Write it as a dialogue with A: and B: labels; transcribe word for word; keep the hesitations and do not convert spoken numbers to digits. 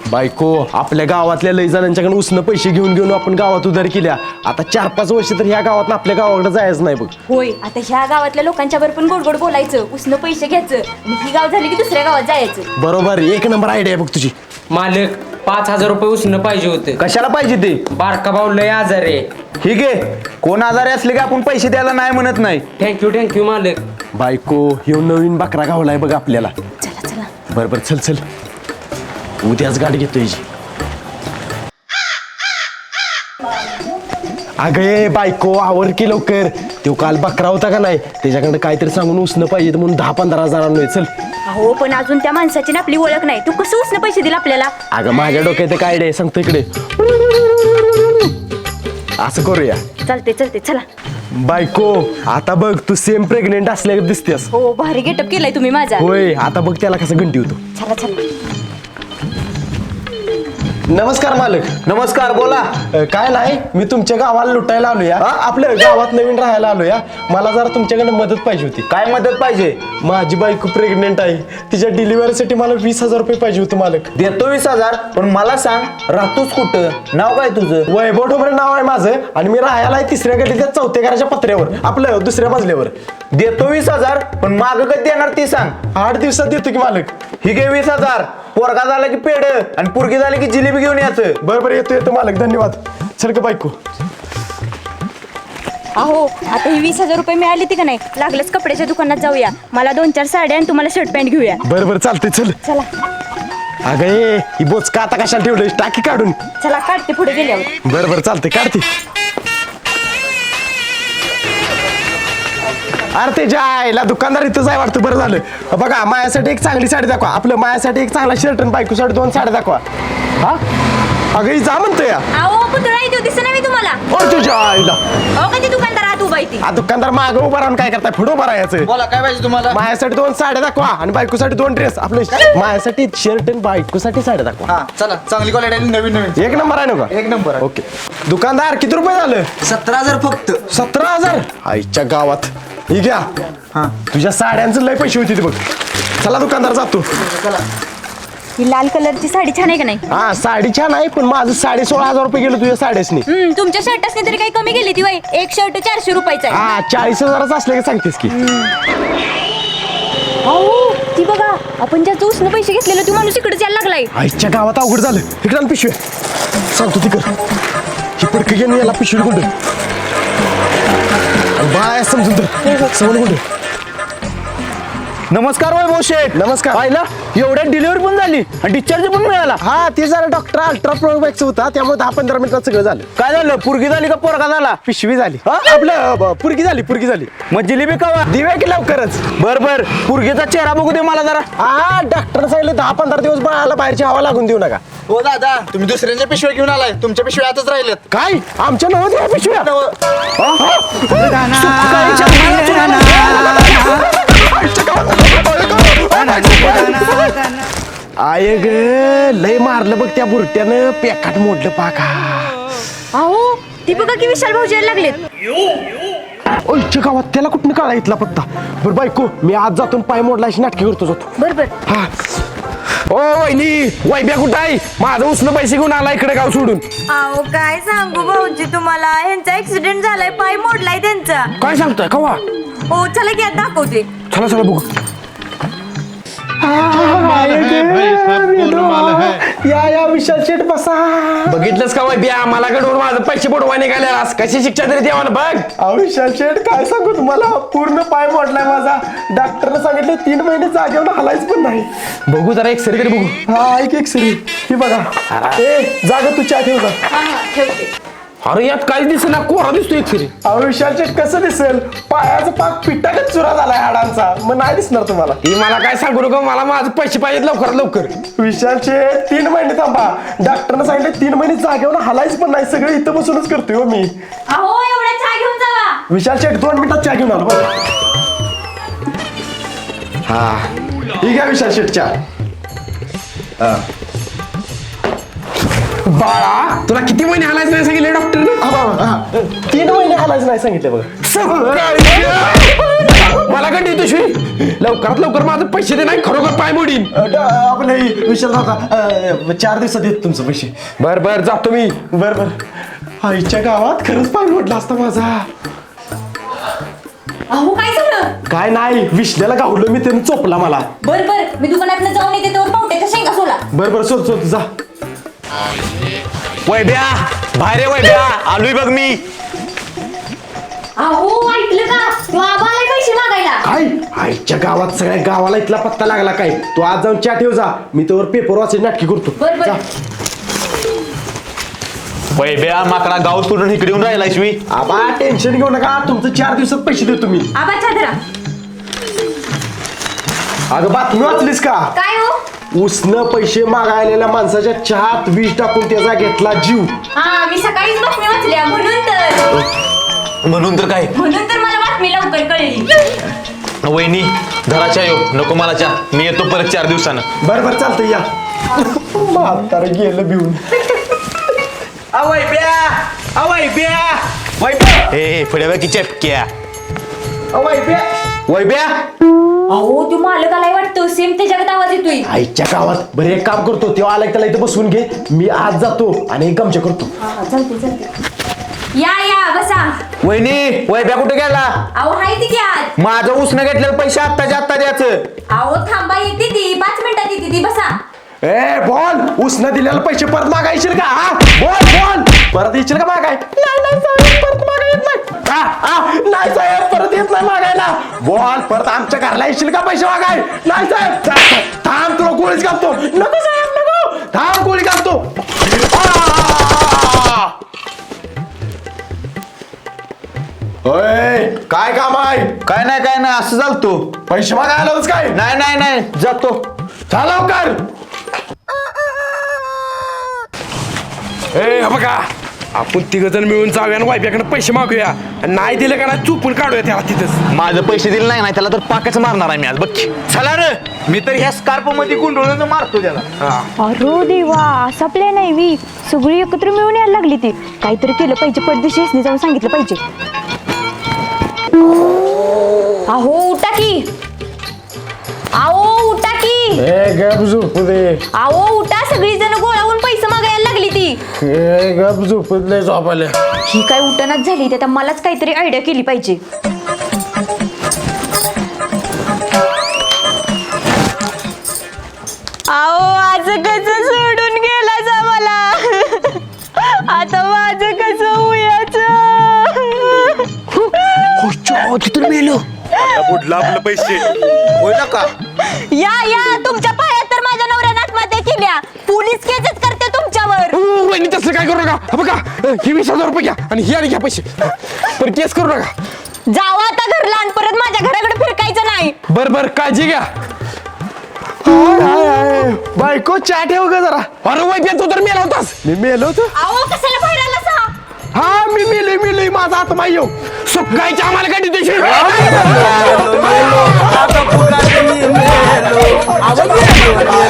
A: बायको आपल्या गावातल्या लई जणांच्याकडे उसनं पैसे घेऊन घेऊन आपण गावात उधार केल्या. आता चार पाच वर्ष तर ह्या गावात आपल्या गावाकडे जायचं नाही बघ.
B: होय, आता ह्या गावातल्या लोकांच्या वर पण गोड गोड बोलायचं, उसनं पैसे घ्यायचं आणि ही गाव झाली की दुसऱ्या गावात जायचं.
A: बरोबर, एक नंबर आयडिया बघ तुझी.
C: मालक पाच हजार रुपये उसनं पाहिजे होते.
D: कशाला पाहिजे ते?
C: बारका भाऊ लय आजार आहे.
D: ठीक आहे, कोण आजारी असले की आपण पैसे द्यायला नाही म्हणत नाही.
C: थँक्यू थँक्यू मालक.
A: बायको ह्यो नवीन बकरा गावलाय बघ आपल्याला.
B: चला चला.
A: बरोबर, चल चल उद्याच गाडी घेतो याची. अगं ये बायको आवर की लवकर. तो काल बकरा होता का नाही, त्याच्याकडे काहीतरी सांगून उसनं पाहिजे म्हणून दहा पंधरा हजार आणलोय. चल.
B: अहो पण अजून त्या माणसाची ना आपली ओळख नाही, तू कसं उसनं पैसे दिला आपल्याला?
A: अगं माझ्या डोक्यात काय आयडिया सांगतो इकडे. असं करूया.
B: चालते चालते चला.
A: बायको आता बघ तू सेम प्रेग्नेंट असल्या दिसतेस.
B: हो, भारी गेटअप केलाय तुम्ही माझा.
A: होय, आता बघ त्याला कसं घंटी होतो.
B: चला चला.
A: नमस्कार मालक.
D: नमस्कार, बोला.
A: अ, काय नाही, मी तुमच्या गावाला लुटायला आलो या. आपल्या गावात नवीन राहायला आलो या. मला जरा तुमच्याकडे मदत पाहिजे होती.
D: काय मदत पाहिजे?
A: माझी बायको प्रेग्नेंट आहे, तिच्या डिलिव्हरीसाठी मला वीस हजार रुपये पाहिजे होते मालक.
D: देतो वीस हजार, पण मला सांग राहतोस कुठं? नाव काय तुझं?
A: वैभव ठोंबरे नाव आहे माझं आणि मी राहायला आहे तिसऱ्या गल्लीच्या चौथ्या घराच्या पत्र्यावर, आपलं दुसऱ्या मजल्यावर.
D: देतो वीस हजार, पण माग कधी देणार ती सांग.
A: आठ दिवसात देतो की मालक.
D: ही घे वीस हजार. पोरगा झाला की पेड आणि पोरगी झाली की जिलेबी घेऊन यायचं.
A: बरोबर, येतो येतो मालक, धन्यवाद. चल का बायको.
B: अहो आता ही वीस हजार रुपये मिळाली ती का नाही, लागलंच कपड्याच्या दुकानात जाऊया, मला दोन चार साड्या आणि तुम्हाला शर्ट पॅन्ट घेऊया.
A: बरोबर चालते, चल.
B: चला
A: अगं ये ही बोचका आता कशाला ठेवलं, टाकी काढून.
B: चला काढते पुढे गेल्यावर.
A: बरोबर चालते, काढते. अरे ते जायला दुकानदार इथंच आहे वाटतं. बरं झालं. बघा माझ्यासाठी एक चांगली साडी दाखवा, आपलं माझ्यासाठी एक चांगला शर्ट आणि बायकोसाठी दोन साड्या दाखवा. हा अगं ही जा म्हणतो या.
B: अहो पुतळा येतो दिसत नाही मी तुम्हाला.
A: ओ तुझ्या आईला.
B: अहो कधी दुकानदार आत उभा आहे.
A: हा दुकानदार मागं उभा राहून काय करताय, पुढं उभा राहायचं.
D: बोला, काय पाहिजे तुम्हाला?
A: माझ्यासाठी दोन साड्या दाखवा आणि बायकोसाठी दोन ड्रेस. आपलं माझ्यासाठी शर्ट आणि बायकोसाठी साड्या दाखवा.
D: हा चला, चांगली क्वालिटी, नवीन नवीन.
A: एक नंबर आहे ना का?
D: एक नंबर.
A: ओके. दुकानदार किती रुपये झालं?
D: सतरा हजार फक्त.
A: सतरा हजार आईच्या गावात. ही घ्या.
D: हा,
A: तुझ्या साड्यांचं लय पैसे होते ते बघ. चला दुकानदार जातो.
B: ही लाल कलरची साडी छान आहे का नाही?
A: हा साडी छान आहे, पण माझं साडे सोळा हजार रुपये गेलं तुझ्या साड्यासनी.
B: हम्म, तुमच्या शर्टासने तरी काही कमी गेली ती वय. एक शर्ट चारशे रुपयाचा आहे.
A: हा चाळीस हजाराचं असले का सांगतेस की.
B: अहो ती बघा, आपण ज्याचं उसनं पैसे घेतलेलं तो माणूस इकडेच यायला लागलाय.
A: आईच्या गावात अवघड झालं. इकडं पिशवी सांगतो तिकड. ही पडकं घेऊन याला पिशवी गुंड बाय समजून तर समोर गुंड.
D: नमस्कार वैभव शेठ.
A: नमस्कार.
D: पाहिलं, एवढ्यात डिलिव्हरी पण झाली आणि डिस्चार्ज पण मिळाला.
A: हा ते जरा डॉक्टर अल्ट्रा प्रो मॅक्स होता, त्यामुळे दहा पंधरा मिनिटात सगळं झालं.
D: काय झालं? पोरगी झाली का पोरगा झाला?
A: पिशवी झाली. हा आपलं ब- पुरगी झाली, पुरगी झाली.
D: मग जिलेबी कवा?
A: दिव्या की लवकरच.
D: बर बर, पोरगीचा चेहरा बघू दे मला जरा.
A: हा डॉक्टर सांगितलं दहा पंधरा दिवस बाळाला बाहेरची हवा लागून देऊ नका.
E: हो दादा, तुम्ही दुसऱ्यांच्या पिशव्या घेऊन आलाय, तुमच्या पिशव्या आतच राहिल्यात.
A: काय आमच्या नव्हत्या या पिशव्या? आय ग लय मारलं बघ त्या बुरट्यानं, पेकाट मोडलं पाका.
B: अहो ती बघा की विशाल भाऊजी यायला लागलेत.
A: ओईच्या गावात त्याला कुठं काढा इथला पत्ता. बरं बायको मी आज जातून पाय मोडला अशी नाटकी करतो जातो.
B: बरोबर.
A: हा ओ वहिनी, वैब्या कुठं आहे? माझं उसनं पैसे घेऊन आला इकडे गाव सोडून.
F: अहो काय सांगू भाऊजी तुम्हाला, ह्यांचा ऍक्सिडेंट झालाय, पाय मोडलाय त्यांचा.
A: काय सांगताय कवा?
F: हो चला की आता दाखवते.
A: चला चला बघू. या या विशाल शेठ बसा.
C: बघितलंस का वैद्या, मला कडून माझं पैसे बुडवा निघाल्या. कशी शिक्षा तरी द्यावा ना बघ.
A: अहो विशाल शेठ काय सांगू तुम्हाला, पूर्ण पाय मोडलाय माझा. डॉक्टरने सांगितलं तीन महिने जागेवर हलायच पण नाही.
C: बघू जरा एक सरी तरी बघू.
A: हा एक एक सरी ही बघा. ए जागा तू चहा ठेव जा.
B: ठेवते.
C: अरे यात काहीच दिसत ना, कोरा दिसतो एक सरी.
A: अहो विशाल शेठ कसं दिसेल, पायाचा पाक पिठागत चुरा झालाय हाडांचा, मग नाही दिसणार तुम्हाला.
C: ती मला काय सांगू नको, मला माझं पैसे पाहिजेत लवकरात लवकर.
A: विशाल शेठ तीन महिने थांबा. डॉक्टरने सांगितलं तीन महिने जागेवर हलायच पण नाही, सगळं इथं बसूनच करतोय हो मी.
B: अहो एवढा चहा घेऊन जावा.
A: विशाल शेठ दोन मिनिटात चहा घेऊन आलो बघ. हा ठीक आहे विशाल शेठ चहा.
C: बाळा तुला किती महिने हालायचं नाही सांगितलं डॉक्टरने?
A: हा, हा, हा. तीन महिने हलायचं नाही सांगितलं बघा.
C: मला का देतो शिवी लवकरात लवकर माझे पैसे दे नाही खरोखर पाय मोडीन
A: आपलं विशाल दादा चार दिवसात येत तुमचं पैसे.
C: बर बर जातो मी.
A: बर बर आईच्या गावात खरंच पाय मोडला असता माझा.
B: अहो काय झालं?
A: काय नाही विश्ल्याला गावलं मी त्यानं चोपला मला.
B: बर बर मी दुकानात जाऊन येते तेव्हा पावट्याच्या शेंगा सोला.
A: बर बर सोड सोड जा.
D: वैभ्या बाहेर वैभ्या आलोय बघ मी.
B: अहो ऐकलं का तू आबाला पैसे मागायला.
A: काय आईच्या गावात सगळ्या गावाला इथला पत्ता लागला काय. तू आज जाऊन चहा ठेव जा मी तोवर पेपर वाचायची नाटकी करतो.
B: बर बर.
A: जा.
D: वैभ्या माकडा गाव सोडून इकडे येऊन राहिला शिवी.
A: आबा टेन्शन घेऊ नका तुमचं चार दिवसात पैसे देतो मी.
B: आबा चादरा.
A: अगं बातमी वाचलीस का.
B: काय हो?
A: उसनं पैसे मागायलेल्या माणसाच्या चहात विष टाकून त्याचा घेतला जीव.
B: हा मी सकाळीच बातमी वाचल्या म्हणून तर
D: म्हणून तर काय
B: म्हणून तर मला बातमी लवकर कळली.
D: वहिनी घराच्या येऊ नको मला चहा मी येतो परत चार दिवसानं.
A: बर बर चालतंय या. म्हातारं गेलं भिवून.
D: वैभ्या वैभ्या वैभ्या ए फड्या की चपक्या
A: वैभ्या
D: वैभ्या.
B: अहो तू मालक आलाय वाटतं सेम त्याच्याकडे आवाज येतोय.
A: आईच्या गावात बरं एक काम करतो तेव्हा आलाय त्याला इथं बसवून घे मी आज जातो आणि एक गमच्या करतो.
B: हा चालते चालते. या या बसा.
D: वहिनी वैभ्या कुठे गेला.
B: अहो हाय ती की आज.
D: माझं उसनं घेतलेलं पैसे आत्ताच्या आत्ता द्यायचं.
B: अहो थांबा येते ती पाच मिनिटात येते ती बसा.
A: ए बोल उसनं दिलेले पैसे परत मागायचे का. हा बोल बोल परत येशील का मागाय. नाही नाही साहेब परत मागाय येत नाही. हा, हा, नाही साहेब परत येत नाही मागायला. बोल परत आमच्या घरला येशील का पैसे मागाय. नाही साहेब जा, थांब तुला गोळीच घालतो. नको साहेब नको थांब गोळी घालतो. आ! ओय काय काम आहे.
D: काय नाही काय नाही असं चालतो.
A: पैसे मागायला आलोच काय.
D: नाही नाही नाही जातो.
A: चला लवकर.
C: ए बघा आपण तिघ जण मिळून जाऊया आणि वायब्याकडे पैसे मागूया आणि नाही दिले का नाही चुपून काढूया त्याला तिथंच.
D: माझं पैसे दिले नाही ना त्याला तर पाकच मारणार आहे मी आज बघ. चला रे मी तर ह्या स्कार्प मध्ये गुंडळून मारतो त्याला.
B: अरे देवा असा प्लॅन आहे वी सगळी एकत्र मिळून यायला लागली ती. काहीतरी केलं पाहिजे परदेशी असणे जाऊन सांगितलं पाहिजे. अहो उठा की. अहो उठा की.
A: ए गप झोपू दे.
B: अहो उठा सगळी जण गोळावून पैसे मागायला लागली ती.
A: ए गप झोपू दे झोपायला.
B: ही काय उठणच झाली त्यात मलाच काहीतरी आयडिया केली पाहिजे. अहो आज कसं सोडून गेला जा मला. आता माझं कसं होयाचं.
C: तिथून मेलो
A: बुडला आपलं पैसे
D: होय ना का.
B: या या तुमच्या पायात तर माझ्या नवऱ्यानं आत्महत्या केल्या. पोलीस केसच करते तुमच्यावर.
C: वहिनी तसं काय करू नका. हा बघा हे वीस हजार रुपये घ्या आणि हे आणि घ्या पैसे पण केस करू नका.
B: जावा आता घरला आणि परत माझ्या घराकडे फिरकायचं नाही.
C: बर बर काळजी घ्या.
A: बायको चहा ठेव ग जरा.
C: अरे वैद्य तू तर मेला होतास.
A: मी मेलो होतो.
B: अहो कशाला बाहेर आला सा.
A: हा मी मेलोय मेलोय माझा आत्मा येऊ.
C: सुकायच्या आम्हाला काय देतो
D: आता पुन्हा मी मेलो.